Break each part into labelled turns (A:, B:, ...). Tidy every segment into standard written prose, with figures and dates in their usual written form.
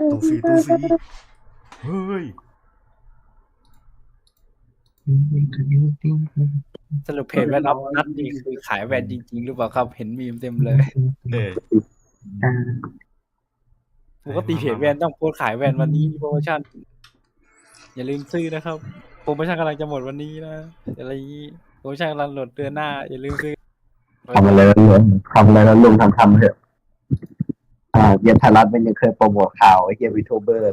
A: ตู้ฟรีตู้ฟรีเฮ้ย
B: สรุปเพจแว่นอัพนัดนี่คือขายแว่นจริงๆหรือเปล่าครับเห็นมีมเต็มเลย
A: เออ
B: ปกติเพจแว่นต้องโพสต์ขายแว่นวันนี้มีโปรโมชั่นอย่าลืมซื้อนะครับโปรโมชั่นกำลังจะหมดวันนี้นะอะไรอย่างนี้โปรโมชั่นกำลังหมดเดือนหน้าอย่าลืมซื้อ
C: ทำอะไรแล้วลุงทำอะไรแล้วลุงทำเถอะเย็นไทยรัฐมันยังเคยโปรโมทข่าวไอ้เกียร์วีทูเบอร์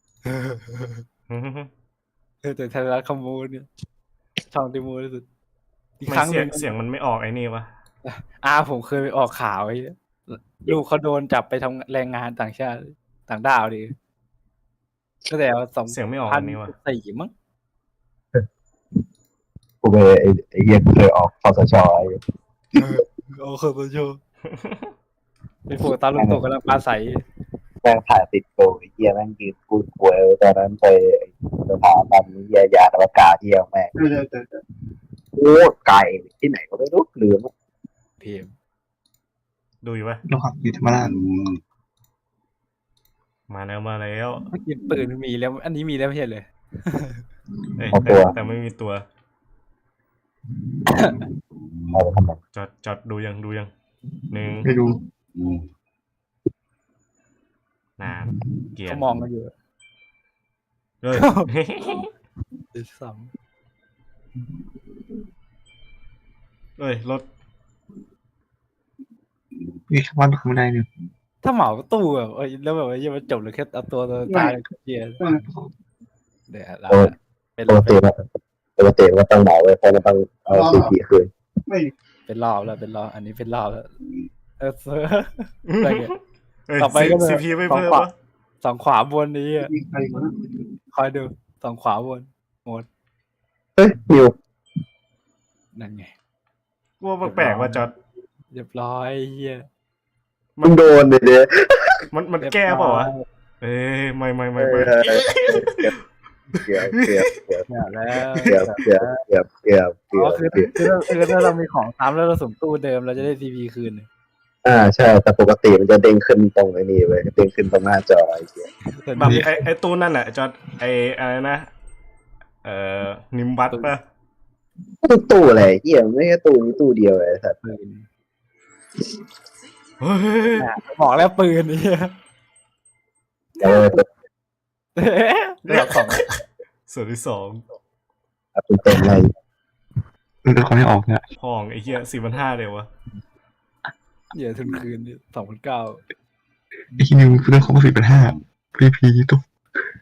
B: แต่ไทยรัฐขโมยเนี่ยช่องที่มูที่สุดอีก
A: ไม่
B: ครั้งห
A: เสีย
B: นึ่
A: ง
B: ง
A: เสียงมันไม่ออกไอ้นี่วะ
B: ผมเคยไปออกข่าวไอ้ลูกเขาโดนจับไปทำแรงงานต่างชาติต่างด้าวดิก็แต่
A: เสียงไม่ออก
B: พั
A: อั
B: น
A: นนี้วะ
B: สี่มั้ง
C: กูไปไอ้เกียร์เคยออกคอสชไอ้
B: โอ้โหโชว์ไปโผล่ตาลุงตู่กำลังปลาใส
C: แม่งถ่ายติดโกไอ้เกียร์แม่งยืนกูป่วยตอนนั้นไปสถาบันวิทยาอวกาศเที่ยวแม่งโอ้ไก่ที่ไหนก็ไม่รู้ลืม
B: เพียม
A: ดูอยู่ปะ
D: เราขับอยู่ธรรมราช
A: มาแล้วมาแล้ว
B: เมื่อกี้ปืนมีแล้ว อันนี้มีแล้วไม่ใช่เลย
A: เอ้ย
C: เอาตัว
A: แต่ไม่มีตัว
C: เอาไปทำไม
A: จอดดูยังหนึ่ง
D: ไปดู
A: นานเกีย
B: เขา
A: ร์
B: มองกันอยู่
A: เฮ้ย
B: ด้วยซ้
A: เอ้ยรถ
D: มีชาวบ้านข้างในเนี่ย
B: ำถ้าเหมาตู้แบบแล้วแบบว่ายังมันจบเลยแค่เอาตัวตายเลยเกียร์เดี๋ยวเราเป็น
C: ปกติว่าต้องเหมาไว้เพราะมันต้องเอาซีพีคืน
B: เป็นรอบแล้วเป็นรอบอันนี้เป็นรอบแล้วอะไรเงี้ย
A: เอ้ย
B: ต่อไปก็
A: ซีพีไม่เพิ่ม
B: ขวา
A: ปะ
B: สองขวาบนนี้คอยดูสองขวาบนหมด
C: เฮ้ยนิว
B: นั่นไง
A: กูว่าแปลกๆว่าจอด
B: เรียบร้อยเฮีย
C: มึงโดนเด้
A: มันแก้เปล่าวะเอ้ยไม่
C: เกือบ
B: เนี่ยแล้ว อ๋อคือถ้าเรามีของซ้ำแล้วเราสุ่มตู้เดิมเราจะได้ซีพีคืน
C: ใช่แต่ปกติมันจะเด้งขึ้นตรงไอ้นี่เว้ยเด้งขึ้นตรงหน้าจอไอ้เหี้ย
A: แบบไอ้ตู้นั่นแหละจอดไอ้อะไรนะนิมบัตปะ
C: ตู้อะไรเหี้ยไม่ใช่ตู้นี้ตู้เดียวเลยสัตว์
B: ปืน
A: เฮ้ย
B: บอกแล้วปืนนี่
C: เออ
B: เรื่องของ
A: ส่วนที่สอง
C: เต็มเลย
D: มันเขาไม่ออกเนี่ย
A: ห้องไอ้เหี้ย4,500เลยวะ
B: เหยื่อทุนคืน2009
D: ไอ้ที่นิวเรื่องของ4,500พีตุ๊ก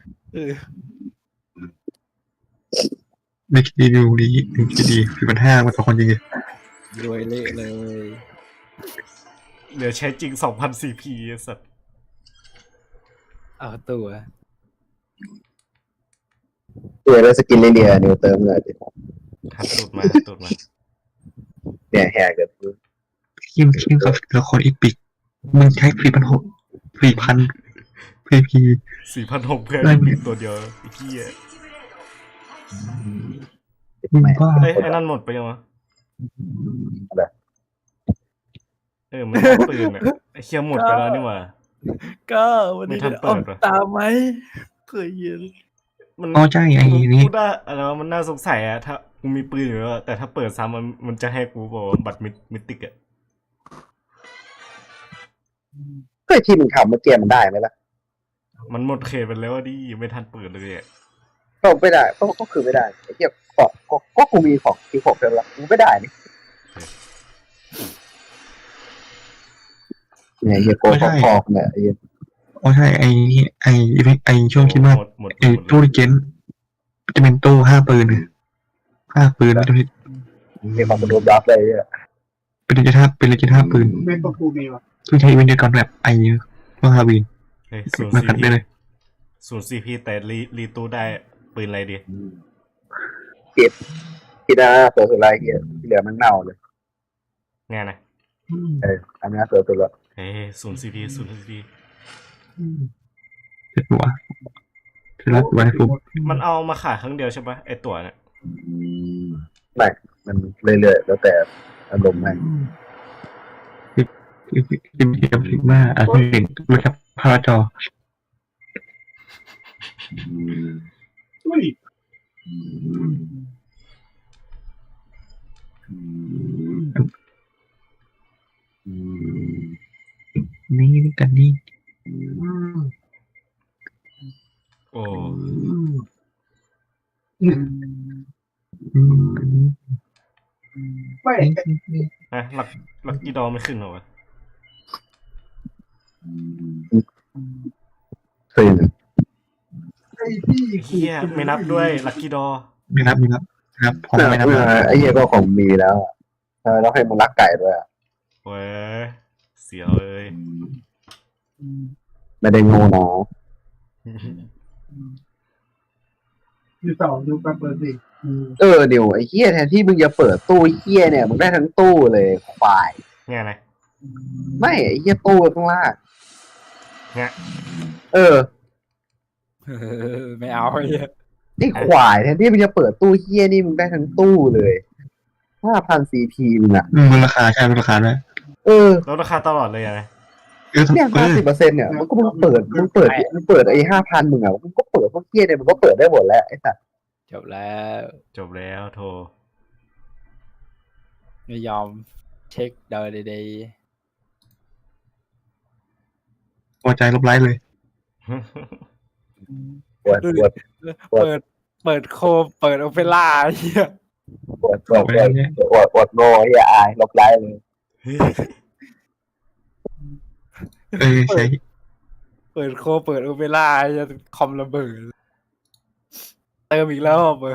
D: มีคีนิวดีคีดี4,500มันต่อคนจริง
B: รวยเละเลย
A: เหลือใช้จริง 2,000 CP ไอ้สัตว์
B: เอาตัว
C: แล้วสกินเดียนิวเติมเลยดิ
A: หัดตูดมา
C: เนี่ยแหกเลย
D: คิมกับละครอีพิกมึงใช้4,000พี
A: 4,600 เพื่อนมีตัวเดียวไอ้เหี้ย
D: มึงบ้า
A: ไอ้นั่นหมดไปยังวะมันได้ปืนอ่ะไอ้เหี้ยหมดไปแล้วนี่หว่า
B: ก็วันนี้
A: ไม่ทันเปิ
B: เอา
A: ดวะ
B: ตามไหมเคยเห็น
A: มัน
D: อ๋อใช่ไอ้นี่
A: กูได้อะไรวะมันน่าสงสัยอะถ้ากูมีปืนอยู่แล้วแต่ถ้าเปิดซ้ำมันจะให้กูบอกว่าบัตรมิติกอะ
C: ก็ที่มึงทำเมื่อกี้มันได้ไหมล่ะ
A: มันหมดเขตไปแล้วอะดิไม่ทันเปิดเลยอะ
C: ก็ไม่ได้ก็คือไม่ได้ไอ้เหี้ยก็กูมีของที่ผมเพิ่มละกูไม่ได้นี่เนี่ยเฮียโกคอกเนี่ยไอ้
D: อ๋อใช่ไอ้ช่วงคิดว่า
A: หมด
D: ไอ้ตู้ดิเจนจะเป็นตู้5 ปืนแล้วจะ
C: มีความรวมรับเลยเนี่ย
D: เป็นเลเจน5ปืนไม่ก็ทูมีวะคือใช้อีเวนต์เดียวกันแบบไอ้เมื่อฮาวีน
A: เฮ้ยศูนย์
D: มา
A: ซี
D: ขัด
A: พี
D: ได้เลย
A: ศูนย์ซีพีแต่รีตู้ได้ปืนอะไรดี
C: ที่หน้าเสือสุดไรเฮียที่เหลือมันเน่าเลย
A: งานนะ
C: อันนี้เสือสุดละ
A: เฮ้ยศูนย์ซีพี
D: เสร็จหัวเสร็จแล้วไว้ปุ๊บ
A: มันเอามาขายครั้งเดียวใช่ปะไอตั๋วเนี่ย
C: ไม่มันเรื่อยๆแล้วแต่อารมณ์ให้
D: ซิมซิกมาที่เห็นรู้จักพาราจอนี่กันนี่
A: โอ้
D: กันนี่
A: อะลักกี้ดอไม่ขึ้นเหรอวะ
C: ซึ่ง
A: เฮียไม่นับด้วยลักกี้ดอ
D: ไม่รับครับผมไม่รับ
C: ไอ้เหี้ยก็ของมีแล้วแล้วให้มึงรักไก่ด้วย
A: เว้ยเสียวเลย
C: ไม่ได้โง่นะ
E: อยู่ต่อดูแป๊บเปิดสิ
C: เดี๋ยวไอ้เหี้ยแทนที่มึงจะเปิดตู้เหี้ยเนี่ยมึงได้ทั้งตู้เลยควาย
A: เนี่ยนะ
C: ไม่ไอ้เหี้ยตู้ข้างล่าง
A: เนี่ย
B: ไม่เอาไอ้เหี้ย
C: ไอ้ควายแทนที่มึงจะเปิดตู้เหี้ยนี่มึงได้ทั้งตู้เลย5,000 CP มึงอ่ะ
D: มันราคาใช่ราคาด้วย
A: ลดราคาตลอดเลยอะนะ
C: เนี่ย50%เนี่ยมึงเปิดไอ้5,000มึงอ่ะมึงก็เปิดพวกเหี้ยเนี่ยมึงก็เปิดได้หมดแล้วไอ้สัส
B: จบแล้ว
A: จบแล้วโทร
B: ไม่ยอมเช็คเดาใด
D: พอใจลบไลค์เลย
C: ปวด
B: ๆเปิดโคมเปิดโอเปร่าไอ้เหี้ย
C: โง่ไอ้เหี้ยอายลบไลค์เลย
D: ใช่
B: เปิดโคมเปิดโอเปร่าไอ้เหี้ยคอมระเบิดเติมอีกแล้วอ่ะเปิด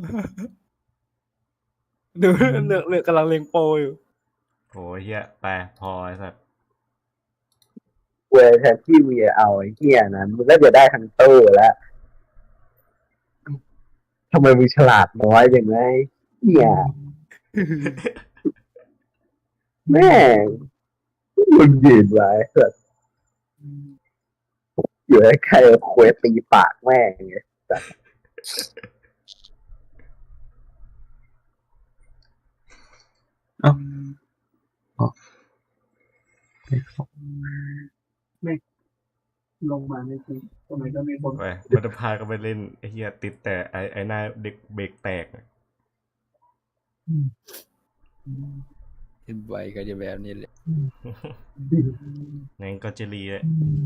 B: ดูเลือกกำลังเล็งโปรอยู่
A: โอ้ยเฮียไปพอไอ้สัส
C: เว้ยแทนที่มึงจะเอาไอ้เหี้ยนั้นมึงก็จะได้ทั้งตู้แล้วทำไมมึงฉลาดน้อยอย่างไรเหี้ยแม่งมึงยืนไว้เถอะอยู่ให้ใครควยตีปากแม่งไง
E: ลงมาในคลิปทำไมก็มีคน
A: ไปมันจะพากันไปเล่นไอ้เฮียติดแต่ไอ้หน้าเด็กเบรกแตกอะ
B: เห็นไวก็จะแบบนี้เลย
A: งั้นก็จะรีเลย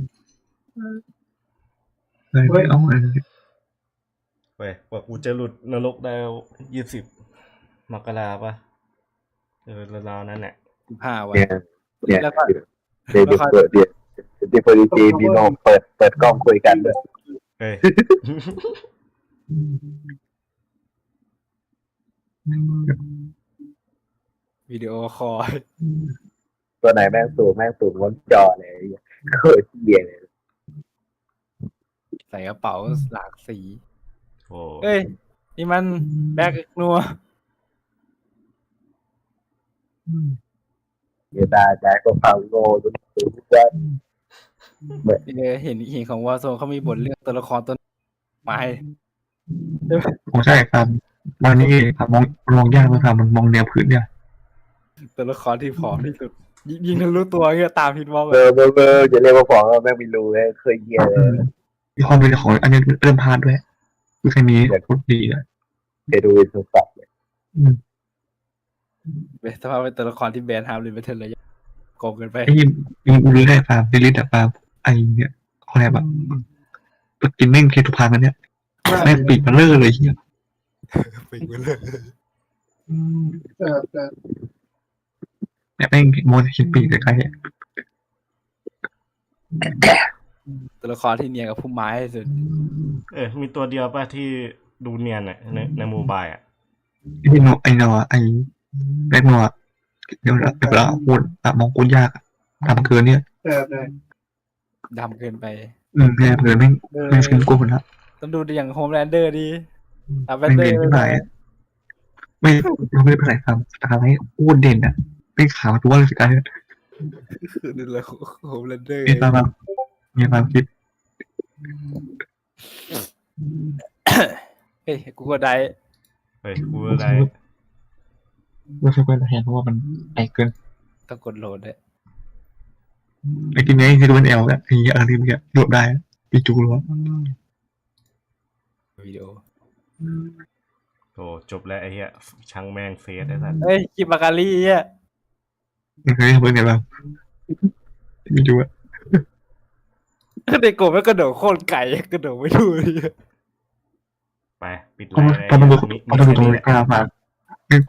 D: เลยเอาอะไร
A: ไปว่ากูจะหลุดนรกได้20 มกราปะราวๆนั้นแหละ
B: 15 วัน
C: เนี่ย
B: แล้วก็
C: เดี๋ยวเปิดเดี๋ยวพอดีพี่โนมเปิดกล้องคุยกันด้วย
A: เฮ้ย
B: วิดีโอคอล
C: ตัวไหนแม่งสูงบนจอเลยโคตรเหี้ยเลย
B: ใส่กระเป๋าหลากสี
A: โอ้
B: เอ้ย นี่มันแบ็กนัว
C: เดี๋ยวได้ก็ฟังโง่จนสูงกัน
B: เห็นของวอร์โซนเขามีบทเรื่องตัวละครตัวไม้
D: ผมใช่ครับวันนี้ครับมองยากเลยครับมันมองแนวพื้นเนี่ย
B: ตัวละครที่ผอมที่สุด ยิงทะลุตัวเงี้ยตามพินวอล
C: เบอร์จะเรียกว่าฟองแม่งไม่รู้เลยเคยเหี้ยเลย
D: มีความเป็นของอันนี้เริ่มพลาดด้วยคือแค่นี้พูดดีเลย
C: เคยดูอินสตาเลย
B: เป็นสภาพเป็นตัวละครที่แบนฮาร์ดเลยไม่เท่าไรโกงเกินไป
D: ไอ้ยิงอุลือได้ฟาร์มลิลิตอะฟาร์มไอเนี่ยอะไรแบบกินแม่งเคทุพานมันเนี่ยแม่งปีกมันเลอะเลยเฮีย
B: ปิงไปเลย
E: แต่
D: เนี่ยแม่งโมจะคิดปีกใกล้
B: ตัวละครที่เนียนกับผู้ไม้ที่สุด
A: มีตัวเดียวป่ะที่ดูเนียนอ่ะในโมบายอ่ะ
D: ไอ้โนไอ้แบกโนเดี๋ยวเราพูดมองกูยากทำเกินเนี่ย
E: แต่
B: ดำเกินไป
D: แม่เกินแม่งฟิล์มกูคนละ
B: ต้องดูอย่างโฮมแลนเดอร์ดีอัพแบ
D: ไม่
B: นเดอ
D: เด่น
B: ร์
D: เท่าไหร่ไม่เราไม่ได้ไปไหนครับตาให้อ้วนเด่นอ่ะไม่ขาวตัวเลยสิการเนี่ย
B: ดูเลยโฮมแลนเดอร์
D: มีความคิด
B: เฮ้ยกูก็ได้
A: เฮ้ยกูอะไร
D: ไม่ใช่เป็นแทนเพราะว่ามันไอเกิน
B: ต้องกดโหลดด้วย
D: ไอทีนี้คือเป็นแอลแล้วทีนี้อะไรที่มันโหลดได้ปีจูรัว
B: วิดีโอ
A: โอ้จบแล้วไอ้เหี้ยช่างแม่งเฟสไอ้สัส
B: เฮ้ยกิบาการีอ่ะ
D: เฮ้ยเป็นไงบ้างไม่ดูอะ
B: เด็กโกไม่กระโดดโคตรไก่กระโดดไม่ดูเลย
A: ไปปิด
D: ต้อง
A: ไลน์
D: ต้องดู
A: มี
D: ต้องดู
A: แค่
D: ตัว
A: นี้แหละ
D: กล้ามา